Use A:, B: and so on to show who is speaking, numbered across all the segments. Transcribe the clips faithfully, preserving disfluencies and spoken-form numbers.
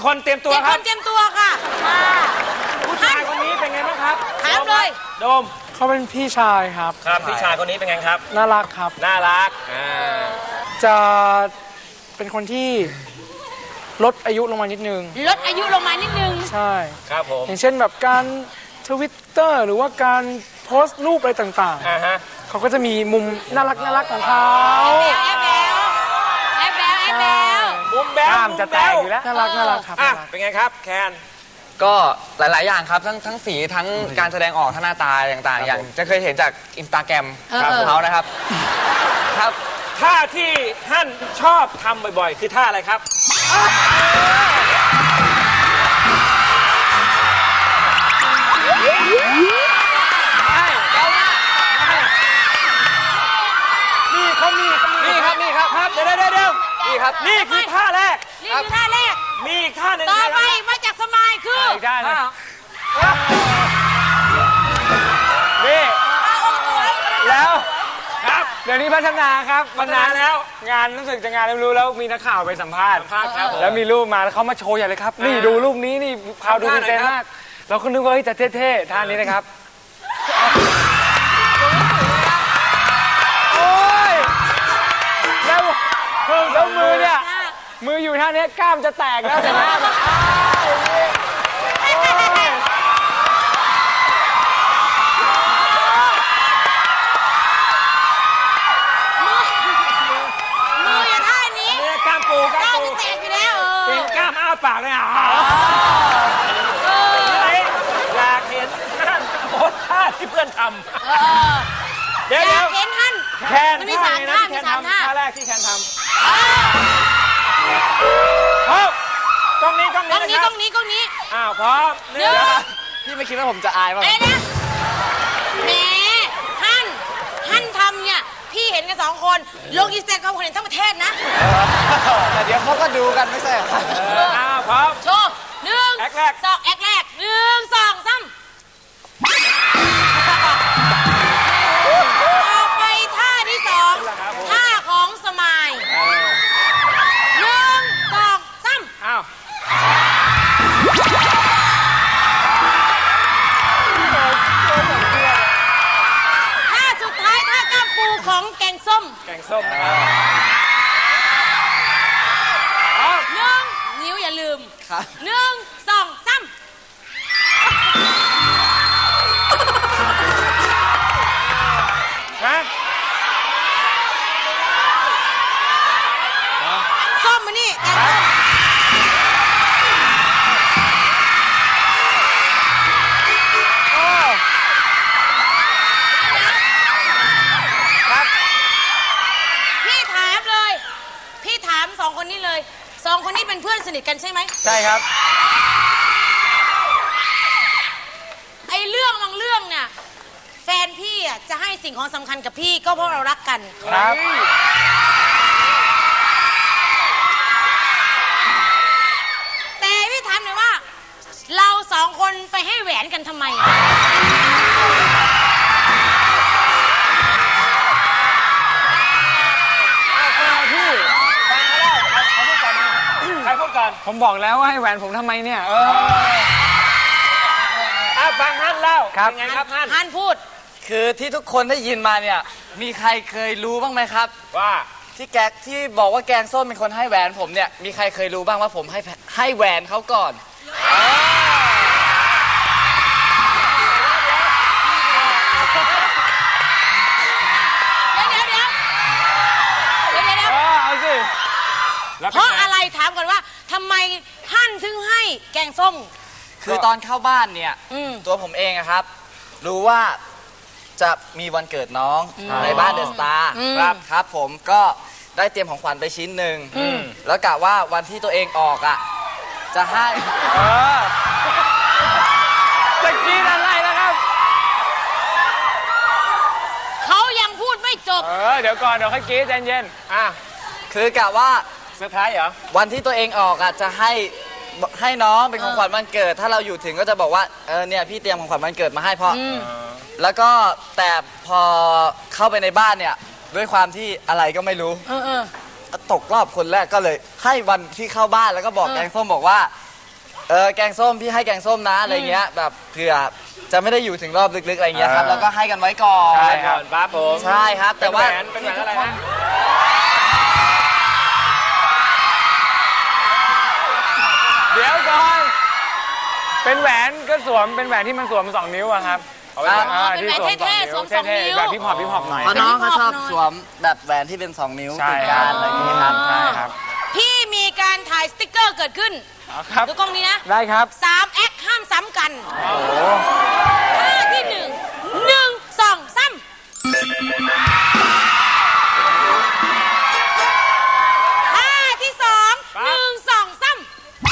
A: คนเตรียมตัว
B: เจ็ด
A: ค
B: ครับ นเตรียมตัวค่ะค่ะ
A: ผู้ชายคนนี้เป็นไงบ้างครับ
B: ถามเลย
A: โดม
C: เขาเป็นพี่ชายครับ
A: ครับพี่ชายคนนี้เป็นไงครับ
C: น่ารักครับ
A: น่ารักอ่า
C: จะเป็นคนที่ลดอายุลงมานิดนึง
B: ลดอายุลงมานิดนึง
C: ใช่
A: ครับผม
C: อย่างเช่นแบบการทวิตเตอร์หรือว่าการโพสต์รูปอะไรต่าง
A: อ่าฮะ
C: ๆ เขาก็จะมีมุมน่ารักน่ารักของเขา
B: แอบแบวแอบแบวแอบแบว
A: มุมแบ๊ว
C: กล้ามจะแตก
A: มุ
C: อ
A: ม
C: ยู่
A: แบ๊
C: แล้ว น่ารักน่ารักครับ
A: อ่ะ
C: น่ารัก
A: เป็นไงครับแคน
D: ก็หลาย ๆ อย่างครับ ทั้งทั้งสีทั้งการแสดงออกทั้งหน้าตาต่าง ๆ อย่างจะเคยเห็นจากอินสตาแกรมของเขานะครับ ครับ
A: ท่าที่ท่านชอบทำบ่อยๆ คือท่าอะไรครับนี่เขามีเขามี
D: นี่ครับนี่ครับ
A: ครับเดี๋ยวเดี๋ยวเดี๋ยว
D: นี่ครับ
A: นี่คือท่าแรก
B: นี่คือท่าแรก
A: มีอีกท่าหนึ่ง
B: ต่อไป
A: นะ
B: มาจากสมายคือ
C: อีกได้นะ
A: นี่
C: แล้ว
A: ครับ
C: เดี๋ยวนี้พัฒนาครับ
A: พัฒนาแล้ว
C: งานรู้สึกจะงานไม่รู้แล้วมีนักข่าวไปสัมภาษณ์
A: ภาคครับผม
C: แล้วมีรูปมาแล้วเขามาโชว์ใหญ่เลยครับ นี่ดูรูปนี้นี่พาวดู
A: ทำ
C: ดี
A: ท่า
C: เซน
A: ไหนครับ
C: มาก เราก็นึกว่าเฮ้ยจะเท่ๆท่านี้นะครับโอ้ยแล้วแล้วมือเนี่ยมืออยู่ท่านี้กล้ามจะแตกแล้วแต่หน้าแบบอ้าวอย่างนี้โอ้ย
B: มืออยู่ท่านี้
A: เนี่ยกล้ามปูก
B: ก
A: ล้า
B: ล้าม
A: มปู
B: จะแตกอยู่แล้วเอ
A: เป็
B: อน
A: กล้ามอ้าปากเลยอ่ะ
B: เออ
A: อยากเห็นท่านโพสท่าที่เพื่อนท
B: เออ
A: ำเดี๋ยว
B: อ
A: เดี๋
B: ยา
A: ยว
B: กเห็นท่าน
A: แคน
B: มันมีสามท่า
A: ที่
B: มี
A: แคน
B: สาม
A: ทำ
B: ท่า
A: ท่าแรกที่แคนทำ
B: เออ
A: พร้อมกล้องนี้กล้อง
B: กล้
A: นี้
B: อง
A: นะ
B: นี้
A: ค
B: ก
A: รั
B: ล้องนี้กล้องนี้
A: อ้าวพร้อม
B: หนึ่ง
D: พี่ไม่คิดว่าผมจะอายบ้าง
B: เอ๊ะนะแหมท่านท่านทำเนี่ยพี่เห็นกันสองคนลงอินสตาแกรมคนเห็นทั้งประเทศนะ
D: แต่เดี๋ยวเขาก็ดูกันไม่ใช่เหรอครับ
A: อ้าวพร้อม
B: โชว์หนึ่ง
A: แอคแรก
B: สองแอคแรกหนึ่งสองสามต่อไปท่าที่สองท่าของสมายหนึ่งสองสาม
A: อ้าว
B: ท่าสุดท้ายท่ากล้ามปูของแกงส้ม
A: แกงส้มนะครับพร้อม
B: หนึ่งนิ้วอย่าลืม
D: ครับ
B: หนึ่งสองสาม
A: นะ
B: ส้มมานี่แกงส้ม
A: ครับ
B: พี่ถามเลย พี่ถามสองคนนี้เลยสองคนนี้เป็นเพื่อนสนิทกันใช่ไหม
C: ใช่ครับ
B: ไอ้เรื่องบางเรื่องเนี่ยแฟนพี่อ่ะจะให้สิ่งของสำคัญกับพี่ก็เพราะเรารักกัน
C: ครับ
B: แต่พี่ถามหน่อยว่า เราสองคนไปให้แหวนกันทำไม
C: พี่
A: ใครพูดก่อน
C: ผมบอกแล้วว่าให้แหวนผมทำไมเนี่ย เออ
A: อ่ะฟังฮั่นเล่า
C: ครับ
A: เป็นไงครับฮั่น
B: ฮันพูด
D: คือที่ทุกคนได้ยินมาเนี่ย มีใครเคยรู้บ้างไหมครับ
A: ว่า
D: ที่แกที่บอกว่าแกงส้มเป็นคนให้แหวนผมเนี่ย มีใครเคยรู้บ้างว่าผมให้ให้แหวนเขาก่อน
B: เดี๋ยวเดี๋ยวเดี๋ยวเดี๋ยวเดี๋ยวเดี๋ยว
C: เออเอาสิ
A: แล้ว
B: เพราะอะไรถามก่อนว่าทำไมฮั่นถึงให้แกงส้ม
D: คือตอนเข้าบ้านเนี่ย
B: อืม
D: ตัวผมเองอะครับ รู้ว่าจะมีวันเกิดน้องในบ้านเดอะสตาร์
B: อืม
D: ครับครับผมก็ได้เตรียมของขวัญไปชิ้นหนึ่งแล้วกะว่าวันที่ตัวเองออกอะจะให้
C: เออตะกี้อะไรนะครับ
B: เขายังพูดไม่จบ
C: เออ เดี๋ยวก่อน เดี๋ยวค่อยกรี๊ดใจเย็น
A: อ่ะ
D: คือกะว่า
A: เซอร์ไพรส์เหรอ
D: วันที่ตัวเองออกอะจะให้ให้น้องเป็นของขวัญวันเกิด ถ้าเราอยู่ถึงก็จะบอกว่าเออเนี่ยพี่เตรียมของขวัญวันเกิดมาให้พ่ออแล้วก็แต่พอเข้าไปในบ้านเนี่ยด้วยความที่อะไรก็ไม่รู้
B: เออเออ
D: ตกรอบคนแรกก็เลย ให้วันที่เข้าบ้านแล้วก็บอก
B: เออ
D: แกงส้มบอกว่าเออแกงส้มพี่ให้แกงส้มนะอะไรเงี้ยแบบเผื่อจะไม่ได้อยู่ถึงรอบลึกๆอะไรเงี้ยครับ
C: อ่า
D: แล้วก็ให้กันไว้ก่อน
C: ใช่
A: ก่อนปั๊บผม
D: ใช่ครับแต่ว่า
A: เป็นแหวนเป็นแหวนอะไรฮะ
C: เดี๋ยวก่อนเป็นแหวนก็สวมเป็นแหวนที่มันสวมสองนิ้วอะครับ
A: เอาไว้ก่อน
B: อ๋อเป็นแหวนเท่ๆสวมสองนิ้ว
C: แบบพี่พอปพี่พอปหน่อย
D: เพราะน้องเขาชอบสวมแบบแหวนที่เป็นสองนิ้ว
C: ใช่
D: ติด
C: ค
D: กั
C: รับ
D: นอะไรอย่างเงี้ยครับ
C: ใช่ครับ
B: พี่มีการถ่ายสติ๊กเกอร์เกิดขึ้น
C: เอาครับ
B: ดูกล้องนี้นะ
C: ได้ครับ
B: สามแอคห้ามซ้ำกัน
C: โอ้โห
B: ท่าที่หนึ่งหนึ่งสองสามท่าที่สองหนึ่งสองสาม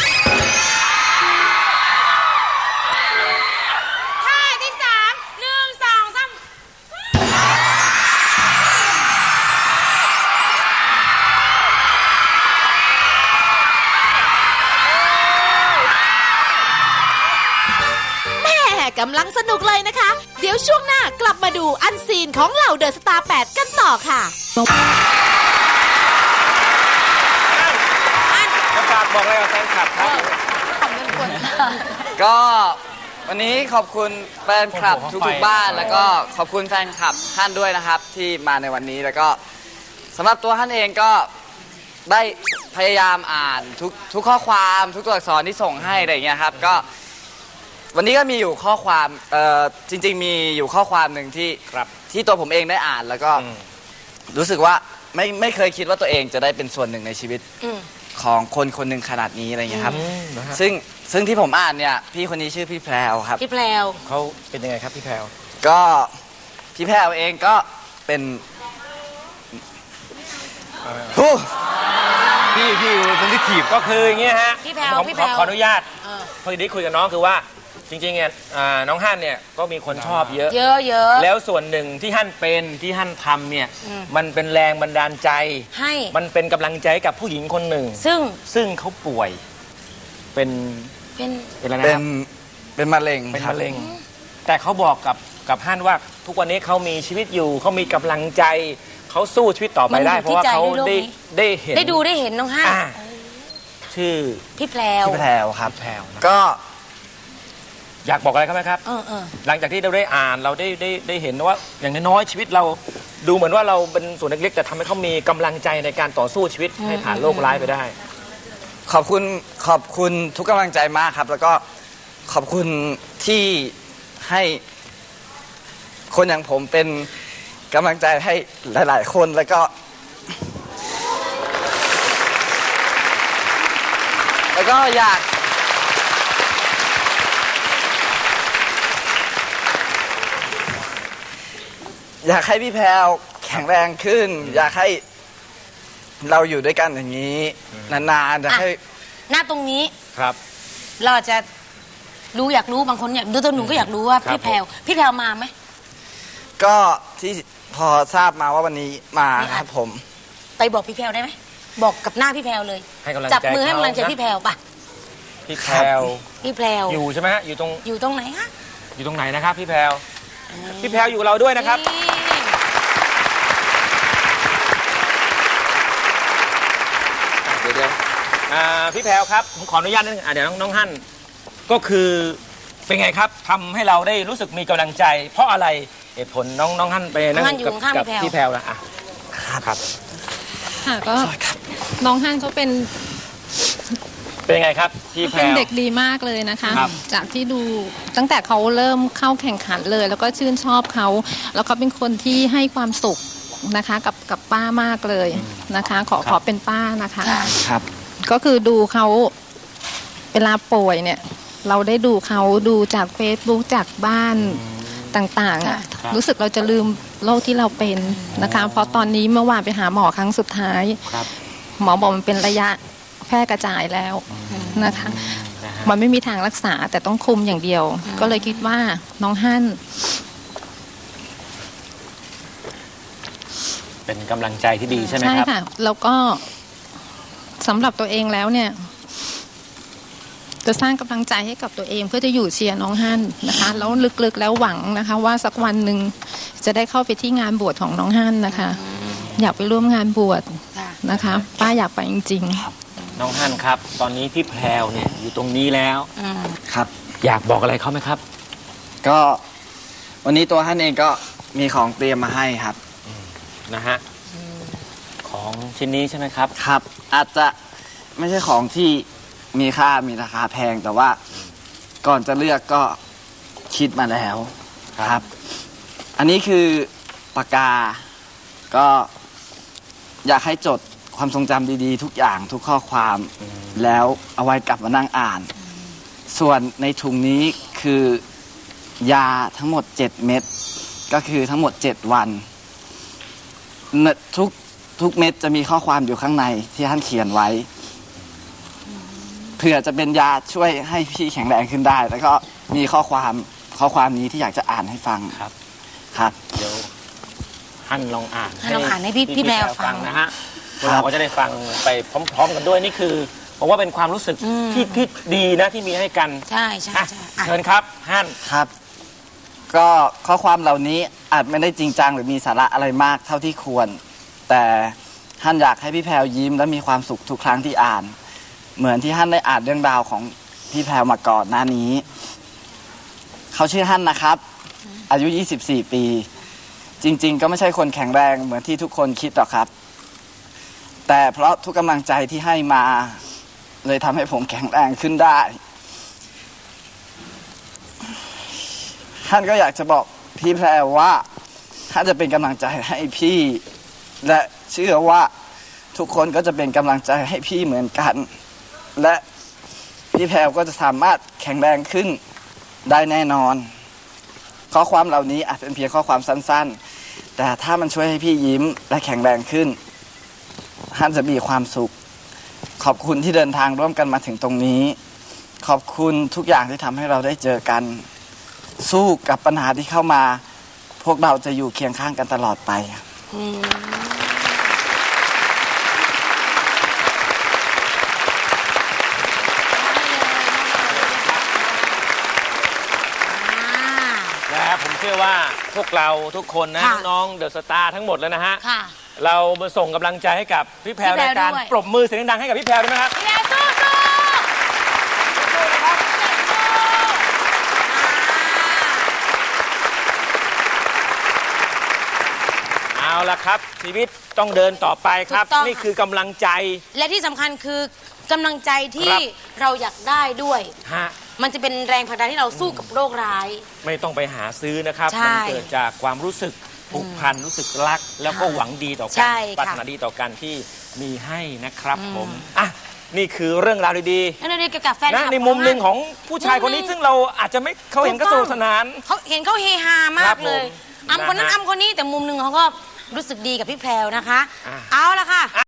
B: ท่าที่สามหนึ่งสองสาม
E: แม่กำลังสนุกเลยนะคะ เดี๋ยวช่วงหน้ากลับมาดูอันซีนของเหล่าเดอะสตาร์แปดกันต่อค่ะ
A: ประกาศบอกอะไรกับแฟนคลับครับ
D: ก็วันนี้ขอบคุณแฟนคลับทุกๆบ้าน แล้วก็ขอบคุณแฟนคลับท่านด้วยนะครับที่มาในวันนี้แล้วก็สำหรับตัวท่านเองก็ได้พยายามอ่านทุกทุกข้อความทุกตัวอักษรที่ส่งให้อะไรอย่างเงี้ยครับก็วันนี้ก็มีอยู่ข้อความเอ่อจริงๆมีอยู่ข้อความหนึ่งที่
A: ครับ
D: ที่ตัวผมเองได้อ่านแล้วก็
A: อืม
D: รู้สึกว่าไม่ไม่เคยคิดว่าตัวเองจะได้เป็นส่วนหนึ่งในชีวิต
B: อืม
D: ของคนคนหนึ่งขนาดนี้อะไรอย่างเงี้ยครับซึ่งซึ่งที่ผมอ่านเนี่ยพี่คนนี้ชื่อพี่แพรวครับ
B: พี่แพรว
A: เขาเป็นยังไงครับพี่แพรว
D: ก็พี่แพรวเองก็เป็นฮู้
A: พี่พี่คนที่ถีบก็คืออย่างเงี้ยฮะ
B: พี่แพรว
A: ผม
B: พี่
A: ข
B: แพร
A: อ
B: ว
A: ขออนุญาต
B: เออ
A: พอดีคุยกับน้องคือว่าจริงๆเนี่ยอ่าน้องฮั่นเนี่ยก็มีคนชอบเยอะ
B: เยอะเยอะ
A: แล้วส่วนหนึ่งที่ฮั่นเป็นที่ฮั่นทำเนี่ย
B: อืม
A: มันเป็นแรงบันดาลใจ
B: ให้
A: มันเป็นกำลังใจให้กับผู้หญิงคนหนึ่ง
B: ซึ่ง
A: ซึ่งเขาป่วยเป็น
B: เป็น
A: เป็นอะไร
D: เป็
A: นะ
D: น
A: ครับ
D: เป็นมะเร็ง
A: เป็น
D: ครับ
A: มะเร็ง แต่เขาบอกกับกับฮั่นว่าทุกวันนี้เขามีชีวิตอยู่เขามีกำลังใจเขาสู้ชีวิตต่อไปได้ เพราะว่าเขาได้ได้เห็น
B: ได้ดูได้เห็นน้องฮั่น
A: อ่าชื่อ
B: พี่แพรว
D: พี่แพรวครับ
A: แพรวนะ
D: ก็
A: อยากบอกอะไรเขาไหมครับ
B: เออเออ
A: หลังจากที่เราได้อ่านเราได้ได้ได้เห็นว่าอย่างน้อยๆชีวิตเราดูเหมือนว่าเราเป็นส่วนเล็กๆแต่ทำให้เขามีกำลังใจในการต่อสู้ชีวิตให้ผ่านโลกร้ายไปได้
D: ขอบคุณขอบคุณทุกกำลังใจมากครับ แล้วก็ขอบคุณที่ให้คนอย่างผมเป็นกำลังใจให้หลาย ๆ คนแล้วก็ แล้วก็อยาก อยากให้พี่แพรวแข็งแรงขึ้น อยากให้เราอยู่ด้วยกันอย่างนี้นานๆอยากให้
B: หน้าตรงนี้
A: ครับ
B: เราอาจจะรู้อยากรู้บางคนอยากดูตัวหนูก็อยากรู้ว่า
A: ครับ
B: พี่แพรวพี่แพรวมาไหม
D: ก็ที่พอทราบมาว่าวันนี้มาครับผม
B: ไปบอกพี่แพรวได้ไหมบอกกับหน้าพี่แพรวเลย
A: ให้กำลังใจ
B: จับมือให้กำลังใจ
A: เขานะ
B: พี่แพรวป่ะ
A: พี่แพรว
B: พี่แพรว
A: อยู่ใช่ไหมฮะอยู่ตรง
B: อยู่ตรงไหนฮะ
A: อยู่ตรงไหนนะครับพี่แพรวพี่แพรวอยู่กับเราด้วยนะครับ
B: นี่
D: เดี๋ยวเดี๋ยว
A: อ่าพี่แพรวครับผมขออนุญาตนิดนึงอ่ะเดี๋ยวน้องน้องฮั่นก็คือเป็นไงครับทำให้เราได้รู้สึกมีกำลังใจ เพราะอะไรเหตุผลน้องน้องฮั่นไปนั่ง
B: น้องฮั่นอยู่
A: กับ
B: ข้างๆ
A: กับ
B: พี่แพรว
A: พี่แพรวนะอ่ะครับ
F: ค่ะก็น้องฮั่นเขาเป็น
A: เป็นยังไงครับพี่แพร
F: เป็น
A: ว
F: เด็กดีมากเลยนะคะ
A: ครับ
F: จากที่ดูตั้งแต่เขาเริ่มเข้าแข่งขันเลย แล้วก็ชื่นชอบเขาแล้วเขาเป็นคนที่ให้ความสุขนะคะกับกับป้ามากเลยนะคะ ขอขอเป็นป้านะคะ
D: ครับ
F: ก็คือดูเขาเวลาป่วยเนี่ย เราได้ดูเขาดูจาก Facebook จากบ้านต่างๆอะรู้สึกเราจะลืมโรคที่เราเป็นนะคะ เพราะตอนนี้เมื่อวานไปหาหมอครั้งสุดท้าย
A: ครับ
F: หมอบอกมันเป็นระยะแพร่กระจายแล้วนะคะ
A: นะฮะ
F: มันไม่มีทางรักษาแต่ต้องคุมอย่างเดียว ก็เลยคิดว่าน้องฮั่น
A: เป็นกำลังใจที่ดีใช่ไหม
F: ใช่
A: ครับ
F: ค่ะ แล้วก็สำหรับตัวเองแล้วเนี่ย จะสร้างกำลังใจให้กับตัวเองเพื่อจะอยู่เชียร์น้องฮั่นนะคะ แล้วลึกๆแล้วหวังนะคะ ว่าสักวันหนึ่งจะได้เข้าไปที่งานบวชของน้องฮั่นนะคะ อยากไปร่วมงานบวช
B: ค่ะ
F: นะคะ ป้าอยากไปจริง
A: น้องฮั่นครับ ตอนนี้พี่แพรวเนี่ยอยู่ตรงนี้แล้ว
D: ครับ
A: อยากบอกอะไรเขาไหมครับ
D: ก็วันนี้ตัวท่านเองก็มีของเตรียมมาให้ครับ
A: นะฮะของชิ้นนี้ใช่ไหมครับ
D: ครับ อาจจะไม่ใช่ของที่มีค่ามีราคาแพงแต่ว่าก่อนจะเลือกก็คิดมาแล้วครับ อันนี้คือปากกาก็อยากให้จดความทรงจำดีๆ ทุกอย่างทุกข้อความแล้วเอาไว้กลับมานั่งอ่าน ส่วนในถุงนี้คือยาทั้งหมดเจ็ดเม็ดก็คือทั้งหมดเจ็ดวันทุกทุกเม็ดจะมีข้อความอยู่ข้างในที่ท่านเขียนไว้เผื่อจะเป็นยาช่วยให้พี่แข็งแรงขึ้นได้ แล้วก็มีข้อความข้อความนี้ที่อยากจะอ่านให้ฟัง
A: ครับ
D: ครับ
A: เดี๋ยวฮั่นลองอ่าน
B: ฮั่นลองอ่านให้พี่พี่แพรวฟัง
A: นะฮะเราก็จะได้ฟังไปพร้อม ๆ กันด้วยนี่คือผมว่าเป็นความรู้สึกที่ที่ดีนะที่มีให้กัน
B: ใช่ใช่
A: อ่ะ
B: ใช่อ่ะ
A: เชิญครับฮั่น
D: ครับ ก็ข้อความเหล่านี้อาจไม่ได้จริงจังหรือมีสาระอะไรมากเท่าที่ควร แต่ท่านอยากให้พี่แพรวยิ้มและมีความสุขทุกครั้งที่อ่าน เหมือนที่ท่านได้อ่านเรื่องราวของพี่แพรวมาก่อนหน้านี้ เขาชื่อฮั่นนะครับ อายุยี่สิบสี่ปี จริง ๆ ก็ไม่ใช่คนแข็งแรงเหมือนที่ทุกคนคิดหรอกครับ แต่เพราะทุกกำลังใจที่ให้มาเลยทำให้ผมแข็งแรงขึ้นได้ท่านก็อยากจะบอกพี่แพรวว่าท่านจะเป็นกำลังใจให้พี่ และเชื่อว่าทุกคนก็จะเป็นกำลังใจให้พี่เหมือนกัน และพี่แพรวก็จะสามารถแข็งแรงขึ้นได้แน่นอน ข้อความเหล่านี้อาจเป็นเพียงข้อความสั้นๆแต่ถ้ามันช่วยให้พี่ยิ้มและแข็งแรงขึ้นท่านจะมีความสุขขอบคุณที่เดินทางร่วมกันมาถึงตรงนี้ขอบคุณทุกอย่างที่ทำให้เราได้เจอกันสู้กับปัญหาที่เข้ามาพวกเราจะอยู่เคียงข้างกันตลอดไป
A: และผมเชื่อว่าพวกเราทุกคนนะ
B: ค่ะ
A: น้องเดอะสตาร์ทั้งหมดแล้วนะฮะ
B: ค่ะ
A: เรามาส่งกำลังใจให้กับพี่แพรว
B: พี่
A: ใน
B: แพรว
A: การ
B: ด้วย
A: ปรบมือเสียงดังๆให้กับพี่แพรวด้วยนะครับ
B: พี่แพรวสู้สู้
A: เอาละครับ ชีวิตต้องเดินต่อไปครับ
B: ถูกต้อง
A: นี่คือกำลังใจ
B: และที่สำคัญคือกำลังใจที่
A: ครับ
B: เราอยากได้ด้วย
A: ฮะ
B: มันจะเป็นแรงผลักดันที่เราสู้กับโรคร้าย
A: ไม่ต้องไปหาซื้อนะครับ
B: ใช่
A: มัเกิดจากความรู้สึกผูกพันรู้สึกรัก แล้วก็หวังดีต่อกั
B: ใช่
A: น
B: ค่ะ
A: ปรารถนาดีต่อกันที่มีให้นะครับผมอ่ะนี่คือเรื่องราวดี
B: นั่นเองเกี่ยวกับแฟน
A: ๆนะ
B: คลับ
A: ในมุมหนึ่ง
B: ข
A: ของผู้ชายคนนี้
B: มุมหนึ่ง
A: ซึ่งเราอาจจะไม่เขาเห็นก็สนุกสนาน
B: เขาเห็นเขาเฮฮามากเลย
A: ครับผม
B: อำคนนั้น
A: นะฮะ
B: อำคนนี้แต่มุมหนึ่งเขาก็รู้สึกดีกับพี่แพรวนะคะ
A: อ่ะ
B: เอาละค่ะ